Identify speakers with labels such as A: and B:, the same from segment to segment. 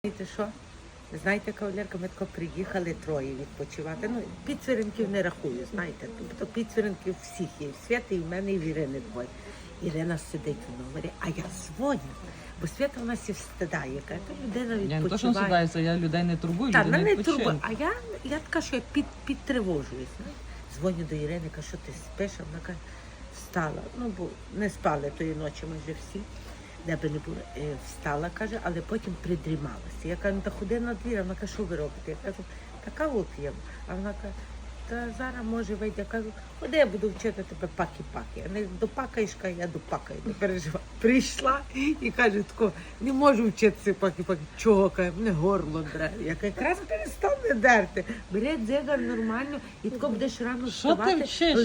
A: Знаєте що? Знаєте, кавалерка, ми тако приїхали троє відпочивати. Ну, підсвіринків не рахую, знаєте. Тобто підсвіринків всіх є. В Свята, і в мене, і в Ірини двоє. Ірина сидить в номері, а я дзвоню. Бо Свята в нас і встидає, яка людина відпочиває.
B: Я не то, що встидаюся, я людей не турбую,
A: Так,
B: люди не
A: мене
B: відпочинку.
A: турбує. А я така, що я підтривожуюсь. Дзвоню до Ірини, кажу, що ти спиш? А вона каже, встала. Ну, бо не спали тої ночі майже всі. Де би не було, встала, каже, але потім придрімалася. Я кажу, ну, та ходи на двір, а вона каже, що ви робите? Я кажу, та каву п'ємо. А вона каже, та зараз може вийде. Я кажу, ходи, я буду вчити тебе паки-паки. А не допакаєш, каже, я допакаю, не переживай. Прийшла і каже, тако, не можу вчитися паки-паки. Чого, каже, мене горло дре. Я кажу, якраз перестане дерти. Бери дзигар нормально і тако будеш рано вставати,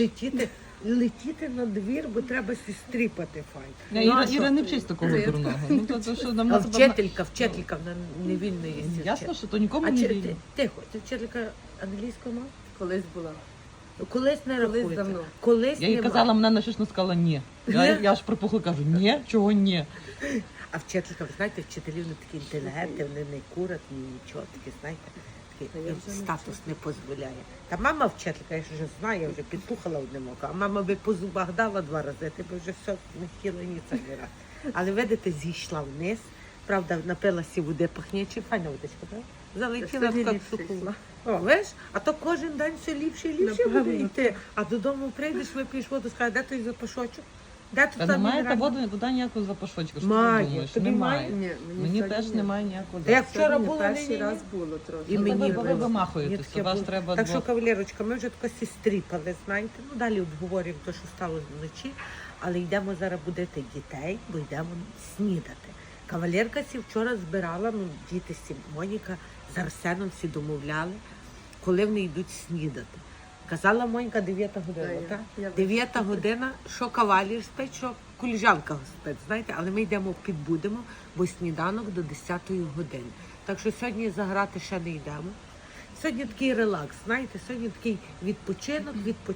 A: летіти на двір, бо треба сістріпати файт.
B: Іра не вчись такого дурного. Ну, то, що нам
A: А вчителька, вона не вільно є.
B: Ясно, що то нікому
A: А
B: не
A: чи
B: вільно.
A: тихо, ти вчителька англійської мови?
C: Колись була.
A: Колись не рахується.
C: давно.
A: Колись
B: Я їй
A: нема.
B: казала, мене щось сказала ні. Я аж припухла, кажу, ні, чого ні?
A: А вчителька, ви знаєте, вчителі вони такі інтелігентні, вони не курять, ні нічого, такі, знаєте, такий їм статус не дозволяє. Та мама вчителька, я ж вже знаю, я вже підслухала одним оком, а мама би по зубах дала 2 рази, ти б вже все не хотіла ні це не раз. Але видите, зійшла вниз, правда, напилася води пахнячі, файна водичка, так? Залетіла
C: Це
A: така
C: ліпше
A: суху.
C: йшла.
A: О, видиш, а то кожен день все ліпше і ліпше
C: Напевно.
A: буде йти. А додому прийдеш, вип'єш воду, скажеш, де той запашочок? Де тут
B: Та
A: там
B: немає та
A: мінеральна?
B: воду ніякого запашочка, що
A: Має.
B: ти думаєш?
A: Тобі
B: Немає.
C: Ні,
B: Мені
C: сьогодні
B: теж
C: ні.
B: немає ніякого
A: Та як
B: запаху.
A: вчора
C: Сьогодні
A: було,
C: перший
A: ні-ні-ні.
C: раз було трохи.
A: І
B: Ну,
A: мені
B: ви
A: було.
B: вимахуєтеся,
A: Ні, таке
B: вас
A: було.
B: треба
A: Так що,
B: двох.
A: кавалерочка, ми вже тако сістріпали, знаєте. Ну, далі обговорюємо те, що стало вночі, але йдемо зараз будити дітей, бо йдемо снідати. Кавалерка сі вчора збирала, ну, діти сі, Моніка з Арсеном всі домовляли, коли вони йдуть снідати. Казала Монька 9 година,
C: Та,
A: так?
C: я
A: 9 година, що кавалір спить, що коліжанка спить, знаєте, але ми йдемо підбудемо, бо сніданок до 10 години. Так що сьогодні заграти ще не йдемо. Сьогодні такий релакс, знаєте, сьогодні такий відпочинок.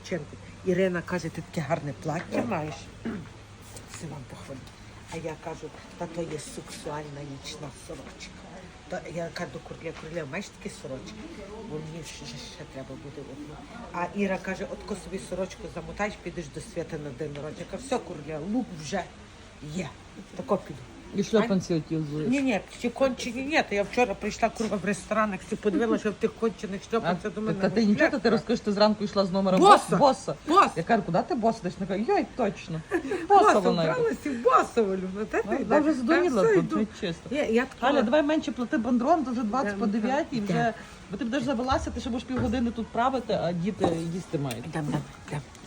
A: Ірина каже, ти таке гарне плаття маєш. Це вам похвалю. А я кажу, та то є сексуальна нічна сорочка. То я кажу до Курля, маєш такі сорочки? Бо мені ще треба буде одну. А Іра каже, отко собі сорочку замотаєш, підеш до Свята на день народження. Я кажу, все, Курля, лук вже є. Тако піду.
B: І шльопанці оті взуєш.
A: Ні, ті кончені ні. То я вчора прийшла курва в ресторанах, всі подивилася, що в тих кончених шльопанцях до мене.
B: Та ти нічого, ти розкажеш, ти зранку йшла з номера
A: Боса!
B: боса.
A: Боса!
B: Я кажу, куди ти боса? Десь вона каже, йой, точно. Боса
A: Боса,
B: вона йде.
A: вбралася в босову, ну, та ти.
B: Я вже здуріла
A: все
B: тут,
A: йду.
B: ну, чесно.
A: Я
B: Галя,
A: така,
B: давай менше плати бандрон, то вже 20 по 9 і
A: Йдемо.
B: вже... Бо ти будеш завелася, ти ще будеш півгодини тут правити, а діти їсти мають.
A: йдемо.